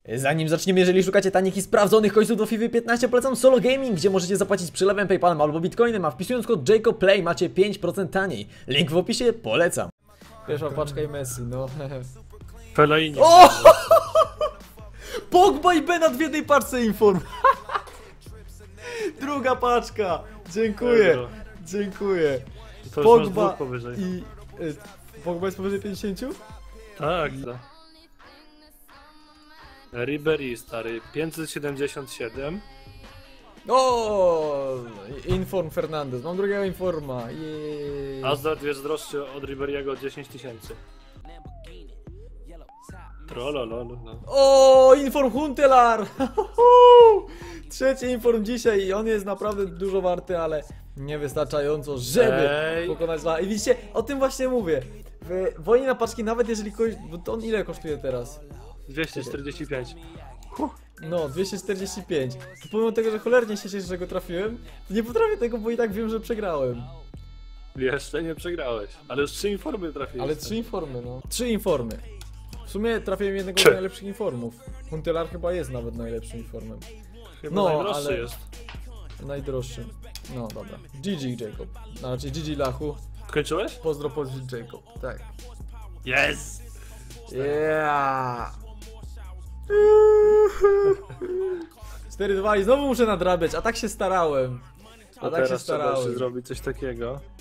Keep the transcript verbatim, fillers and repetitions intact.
Zanim zaczniemy, jeżeli szukacie tanich i sprawdzonych końców do FIFA piętnaście, polecam Solo Gaming, gdzie możecie zapłacić przelewem, PayPalem albo Bitcoinem, a wpisując kod JACOBPLAY macie pięć procent taniej. Link w opisie, polecam. Pierwsza paczka i Messi, no. Fellaini. O! Pogba i Benat w jednej paczce inform. Druga paczka. Dziękuję. Euro. Dziękuję. To już masz Pogba dwóch powyżej. i... y, Pogba jest powyżej pięćdziesięciu? Tak, tak. Ribery stary, pięćset siedemdziesiąt siedem. O, Inform Fernandez, mam drugiego informa. Jej. Hazard jest droższy od Ribery'ego o dziesięć tysięcy. Trolololo. O, Inform Huntelaar. Trzeci inform dzisiaj i on jest naprawdę dużo warty, ale niewystarczająco, żeby Ej. pokonać la. I widzicie, o tym właśnie mówię. W wojnie na paczki, nawet jeżeli kogoś... Bo to on ile kosztuje teraz? dwieście czterdzieści pięć. No, dwieście czterdzieści pięć. To pomimo tego, że cholernie się cieszę, że go trafiłem, to nie potrafię tego, bo i tak wiem, że przegrałem. Jeszcze nie przegrałeś, ale już trzy informy trafiłeś. Ale trzy informy, no. Trzy informy. W sumie trafiłem jednego z Trzy. najlepszych informów. Huntelaar chyba jest nawet najlepszym informem. Chyba no, najdroższy ale- jest. Najdroższy. No dobra. G G Jacob. Znaczy G G Lachu. Skończyłeś? Pozdro pozdro Jacob. Tak. Yes! Yeah. cztery dwa i znowu muszę nadrabiać, a tak się starałem. A A tak się teraz trzeba jeszcze starałem. zrobić coś takiego.